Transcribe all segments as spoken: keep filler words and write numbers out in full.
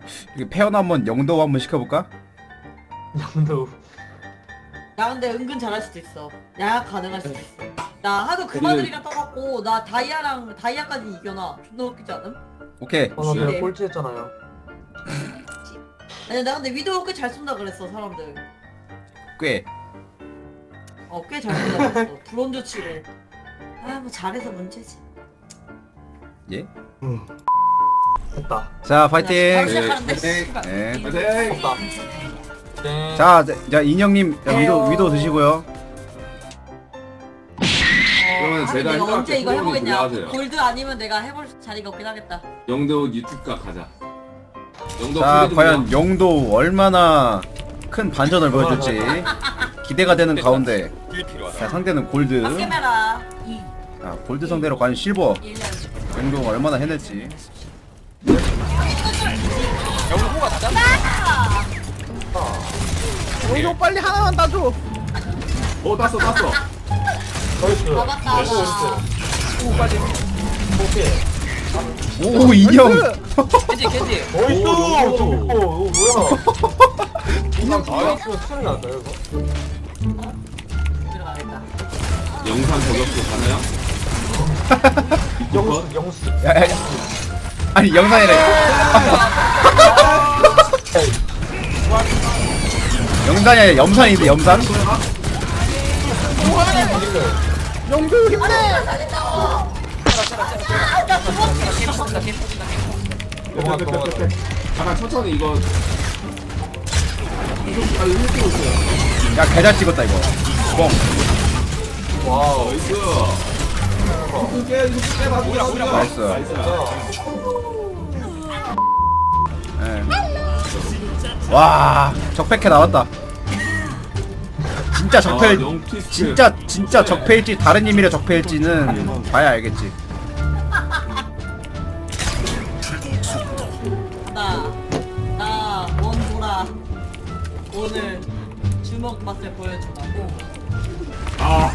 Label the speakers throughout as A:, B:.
A: 이게 페어나 한번 영도 한번 시켜볼까?
B: 영도.
C: 야 근데 은근 잘할 수도 있어. 야 가능할 수도 있어. 나 하도 그마들이랑 떠갖고 나 다이아랑 다이아까지 이겨놔. 존나 웃기지 않음?
A: 오케이.
B: 아, 나
C: 네.
B: 내가 꼴찌했잖아요.
C: 아니 나 근데 위도우 꽤 잘 쏜다 그랬어 사람들.
A: 꽤.
C: 어 꽤 잘 쏜다 그랬어. 브론즈 치고. 아 뭐 잘해서 문제지.
A: 예?
B: 응. 됐다.
A: 자 파이팅.
C: 바로 시작하는데.
D: 네.
C: 씨발.
A: 네.
D: 파이팅!
B: 됐다. 네.
A: 자, 자, 자 인형님 자, 위도
C: 에어.
A: 위도 드시고요.
D: 그러면
C: 어,
D: 제가
C: 내가
D: 해볼게.
C: 언제 이거
D: 프로그램
C: 해보겠냐?
D: 들어가세요.
C: 골드 아니면 내가 해볼 자리가 없긴 하겠다.
D: 영도 유튜브가 가자. 영도
A: 자,
D: 프리덤이야.
A: 과연 영도 얼마나 큰 반전을 보여줄지 기대가 되는 가운데. 자, 상대는 골드.
C: 박개메라 이
A: 자, 골드 상대로 과연 실버
C: 일 년.
A: 영도가 얼마나 해낼지.
E: 영도 빨리 하나만 따줘.
D: 어 땄어 땄어.
B: 나이스.
C: 잡았다.
B: 나이스, 나이스.
E: 오 빨리.
B: 오케이.
A: 오 인형.
E: 겐지 겐지.
B: 나이스.
D: 오,
B: 저
D: 오.
B: 이거 뭐야?
D: 인형
B: 아, 이거 소리 났어요, 이거?
C: 들어가겠다.
D: 영상 저격수 가나요?
B: 영수, 영수.
A: 야, 야, 야. 아니 영상이래. 영상이 아니라 염산인데 염산?
E: 영도 힘내.
B: 넘어가, 넘어가.
D: 잠깐 천천히 이거. 이거 빨리 힐 뛰고 있어요.
A: 야 개잘 찍었다 이거. 뻥.
B: 와우.
D: 나이스. 이거 깨 이거 깨 나 우리가
A: 나이스.
D: 나이스.
A: 예. 와 적백해 나왔다. 진짜
D: 아,
A: 적폐
D: 영피스트.
A: 진짜 진짜 적폐일지 다른 의미의 적폐일지는 봐야 알겠지.
C: 나, 나 원보라 오늘 주먹 맛을 보여주라고.
D: 아.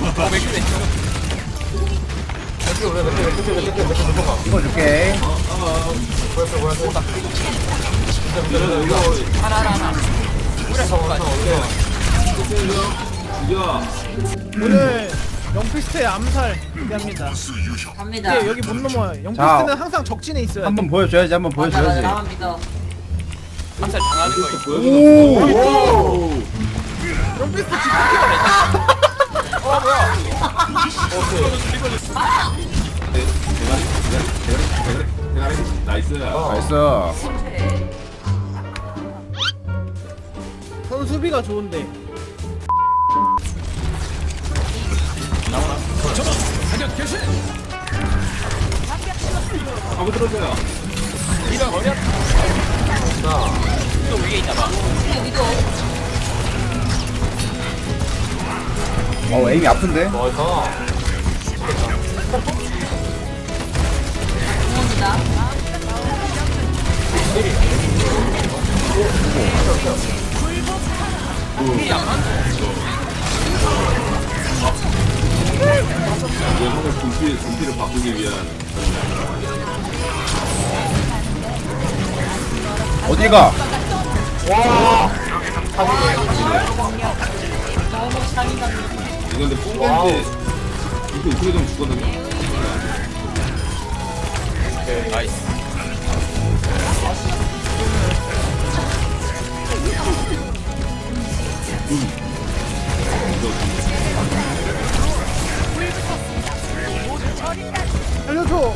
B: 몇 개, 몇 개, 몇 개, 몇 개, 몇 개, 몇 개, 넘어가.
A: 이거 줄게.
B: 뭐였어, 뭐였어?
D: 이거 이거
E: 하나 하나 하나.
D: 죽여.
E: 오늘 영피스트의 암살 기대합니다.
C: 갑니다.
E: 근데 여기 못 넘어요. 영피스트는 항상 적진에 있어요.
A: 한번 보여줘야지. 한번
C: 맞아, 맞아,
A: 보여줘야지.
C: 나만 믿어.
E: 암살 당하는 거.
A: 오.
D: 오.
E: 영피스트 지금 어 뭐야?
D: 대가리 나이스.
A: 나이스.
E: 선 수비가 좋은데.
D: 한번 들어줘요.
E: 이런 어려. 또 위에 있나봐.
C: 근데 위도
A: 어 에임이 아픈데.
B: 나이스.
C: 공원이다.
D: 이거 하나 분필 분필을 바꾸기 위한.
A: 어디 가?
C: 너무 상인다.
D: 이거 근데 뽕겐지 이거 어떻게 좀 죽거든요.
E: 나이스. 알려줘.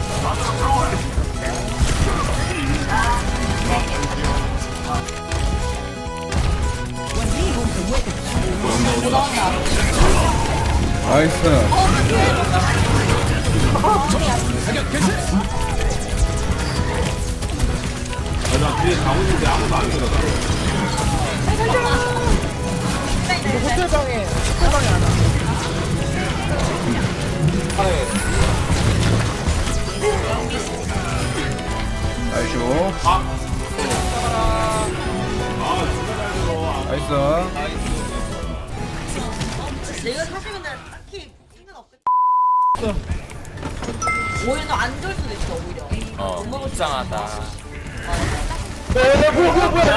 A: 나이스.
D: 아, 나 뒤에 가고 있는데 아무도 안 들어가.
E: 호텔방에 호텔방에 하나.
A: 나이스.
D: 아,
A: 나이스.
C: 내가 사실 근데 딱히 힘은 없겠다. 오히려 더 안 좋을 수도 있어 오히려.
E: 어,
C: 못 먹을 수도
E: 불쌍하다.
C: 있어. 맞아.
B: 야 뭐야 뭐야 뭐야.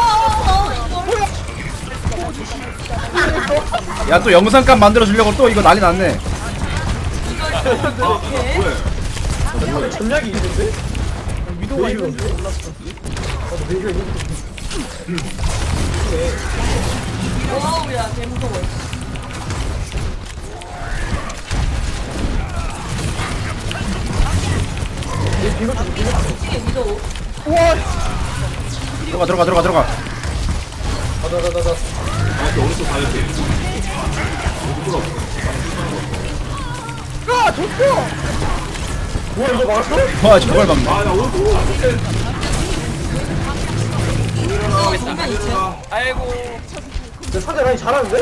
A: 야 또 영상감 만들어 주려고 또 이거 난리 났네.
B: 전략이 있는데?
E: 위도가 있는데.
C: 와우 야 개무서워. 이게 위도.
A: 들어가 들어가 들어가 들어가.
B: 가자가자가자.
D: 아, 이렇게 오른쪽 가야 돼.
E: 아 좋죠.
B: 뭐야 이거 막았어?
A: 와 저걸 막네.
D: 아, 나 오른쪽.
C: 정말 있어.
E: 아이고.
B: 근데 상대 라인 잘하는데?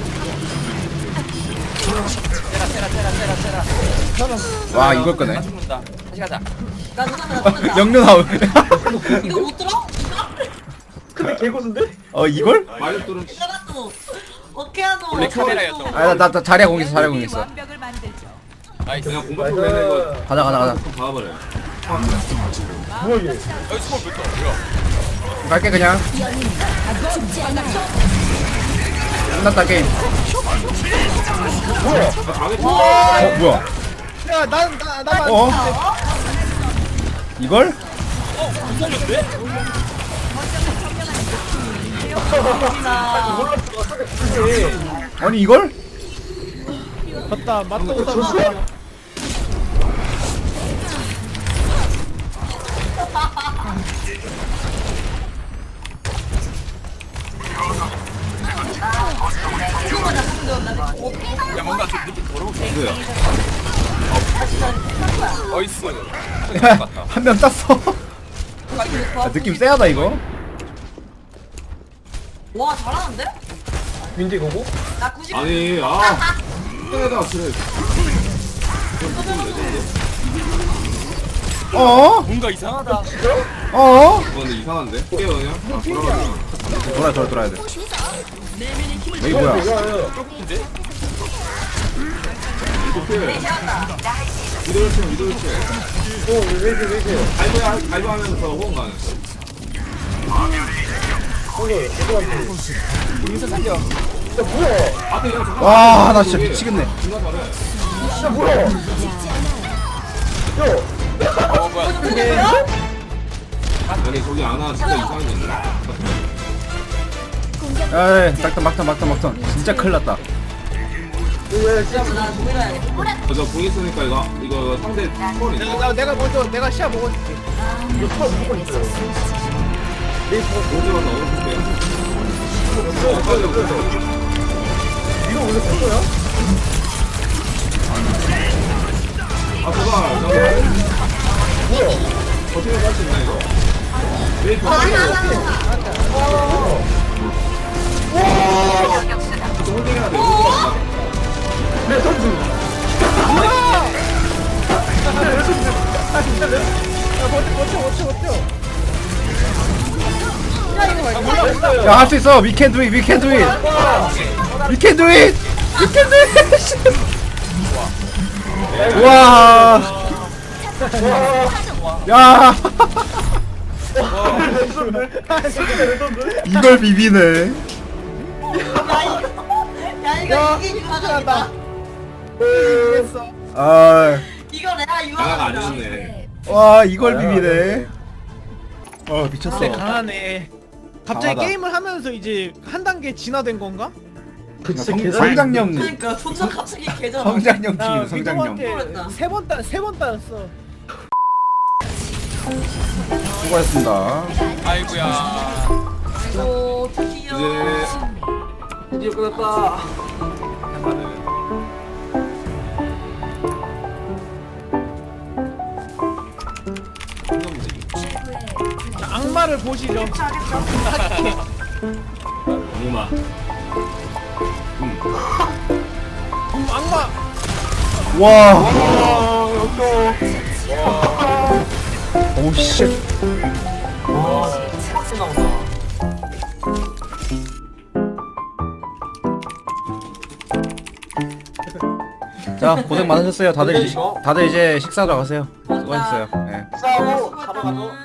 E: 테라 테라 테라 테라 테라.
A: 와 이걸 끄네.
E: 나 죽는다. 다시 가자.
C: 나 누가 나 죽는다.
A: 영륜아웃.
C: 이거 못 들어?
B: 근데 개고수인데?
A: 어 이걸?
D: 말력 뚫은.
C: 이거라도 어떻게 하노?
E: 원래 카메라였던 거.
A: 아나 나 나 자리야 공있어 자리야 공있어.
E: 나이스.
D: 그냥 공격으로 내는 거.
A: 가자 가자 가자.
D: 좀 봐버려.
B: 뭐야 이게?
E: 여기 스몰 몇 더? 뭐야?
A: 갈게 그냥. 끝났다 게임.
B: 뭐야?
A: 어 뭐야?
E: 야난나 나만.
A: 어? 이걸?
E: 어? 못 살렸대?
C: 나
A: 아니 이걸?
E: 맞다 맞다 맞다. 야 뭔가 좀 느낌 더러운 게.
D: 누구야?
E: 어이스.
A: 한 명 땄어. 야, 느낌 쎄하다 이거.
C: 와 잘하는데?
B: 윈디 거고?
C: 나 구십.
D: 아니, 아. 때다 그래.
A: 어?
E: 뭔가 이상하다.
A: 어?
D: 어, 근데 이상한데? 깨요 그냥. 아, 돌아가자.
A: 돌아 돌아 돌아야 돼. 여기 뭐야?
B: 야야.
E: 근데?
D: 이렇게. 미도를 쳐, 미도를 쳐.
B: 어왜 이렇게 왜 이렇게?
D: 갈고, 갈고 하면서 호응 가는.
B: 오늘 죄송한데.
E: 여기서 살려.
B: 야 뭐야?
D: 앞에 그냥 잠깐.
A: 와 나 진짜 미치겠네.
D: 존나 잘해.
B: 야 뭐야? 야.
E: 어 뭐야?
D: 아니, 저기 안와 진짜 이상한 게 있네.
A: 에이 막탄 막탄 막탄 막탄. 진짜 큰일 났다.
C: 나 노래해야겠다.
D: 저공 있으니까 이거, 이거 상대 콜 있어.
E: 나 내가 먼저 내가 시야 먹어줄게.
B: 이거 털 무조건 있어요.
D: 오지 마서 오른쪽 빼. 어, 빨리 오른쪽.
B: 이거 원래 됐어요?
D: 아, 제발. 저거.
B: 뭐야?
D: 어떻게 할 수 있나, 이거? 메이 더 빨리 홀딩해야 돼.
B: 내 선수.
E: 야 버텨 버텨 버텨 버텨.
A: 야 할 수 있어. We can do it. We can do it. We can do it. We can do it. 와. 야. 이걸 비비네.
C: 야 이거 이게 유화적이다.
E: 됐어.
A: 아.
C: 이거 내가
D: 나가
C: 유화적이다.
D: 아니었네.
A: 와 이걸 비비네. 어 미쳤어.
E: 근데 강하네. 갑자기
A: 강하다.
E: 게임을 하면서 이제 한 단계 진화된 건가?
B: 그 진짜
A: 성,
B: 계산.
A: 성장형
C: 그러니까 손전 갑자기 개잖아.
A: 성장형
E: 나
A: 중이네 성장형.
E: 위도한테 세번 따, 세번 따였어.
A: 수고하셨습니다.
E: 아이고야.
C: 오 드디어.
D: 이제
B: 드디어 끝났다.
E: 자, 악마를 보시죠.
D: 엄마. 음.
E: 음, 악마.
A: 와. 오 씨.
B: 와, 빡세 나온다.
A: 자 고생 많으셨어요. 다들 이제, 다들 이제 식사하러 가세요. 수고하셨어요. 네.
B: 싸우고 가러 가죠.